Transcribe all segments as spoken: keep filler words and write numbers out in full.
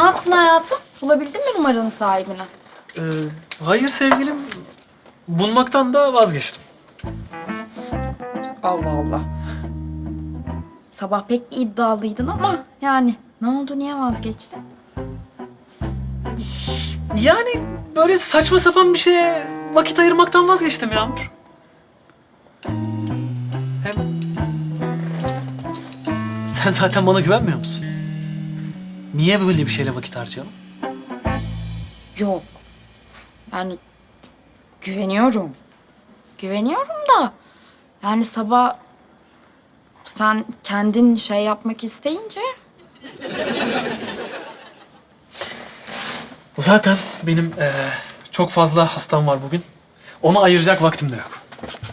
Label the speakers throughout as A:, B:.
A: yaptın hayatım? Bulabildin mi numaranın sahibini?
B: Ee, hayır sevgilim. Bulmaktan da vazgeçtim.
A: Allah Allah. Sabah pek bir iddialıydın ama yani ne oldu, niye vazgeçtin?
B: Yani böyle saçma sapan bir şeye vakit ayırmaktan vazgeçtim Yağmur. Hem sen zaten bana güvenmiyor musun? Niye böyle bir şeyle vakit harcayalım?
A: Yok. Yani güveniyorum. Güveniyorum da yani sabah sen kendin şey yapmak isteyince
B: Zaten benim eee, çok fazla hastam var bugün. Ona ayıracak vaktim de yok.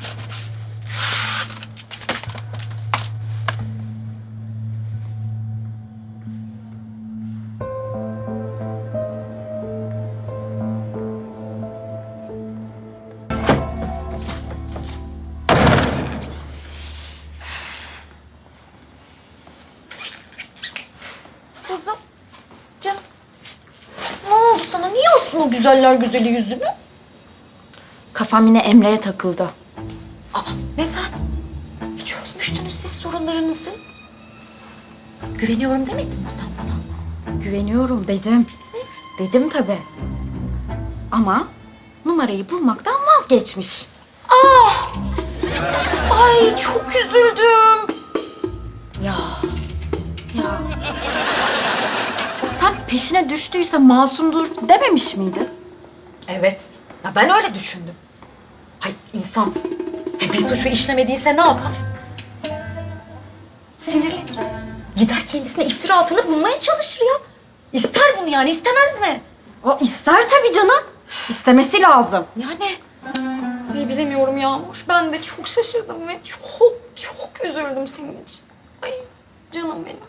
C: Kızım, canım. Ne oldu sana? Niye astın o güzeller güzeli yüzünü?
A: kafam yine Emre'ye takıldı.
C: Aa, neden? Hiç çözmüştünüz siz sorunlarınızı. Güveniyorum demedin mi sen bana?
A: Güveniyorum dedim.
C: Evet.
A: Dedim tabii. Ama numarayı bulmaktan vazgeçmiş.
C: Ay çok üzüldüm.
A: Ya. Ya. Sen peşine düştüyse masumdur dememiş miydin?
C: Evet. Ya ben öyle düşündüm. Hay insan bir suçu işlemediyse ne yapar? Sinirlenir. Gider kendisine iftira atanı bulmaya çalışır ya. İster bunu yani, istemez mi?
A: O ister tabii canım. İstemesi lazım.
C: Yani ay bilemiyorum Yağmur. Ben de çok şaşırdım ve çok çok üzüldüm senin için. Ay canım benim.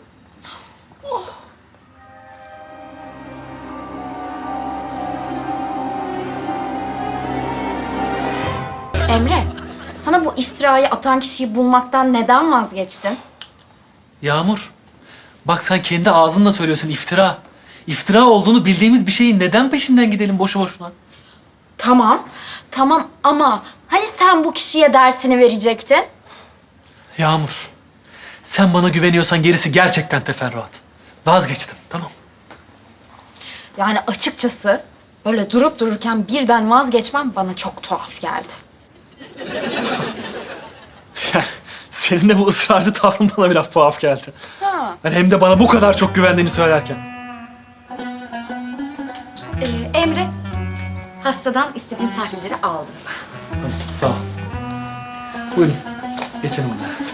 A: Emre, sana bu iftirayı atan kişiyi bulmaktan neden vazgeçtin?
B: Yağmur, bak sen kendi ağzınla söylüyorsun iftira. İftira olduğunu bildiğimiz bir şeyin neden peşinden gidelim boşu boşuna?
A: Tamam, tamam ama hani sen bu kişiye dersini verecektin?
B: Yağmur, sen bana güveniyorsan gerisi gerçekten teferruat. Vazgeçtim, tamam.
A: Yani açıkçası böyle durup dururken birden vazgeçmem bana çok tuhaf geldi.
B: Yani senin de bu ısrarcı tavrın bana biraz tuhaf geldi.
A: Ha.
B: Yani hem de bana bu kadar çok güvendiğini söylerken.
C: Ee, Emre, hastadan istediğim tahlilleri aldım.
B: Sağ ol. Buyurun, geçelim hadi.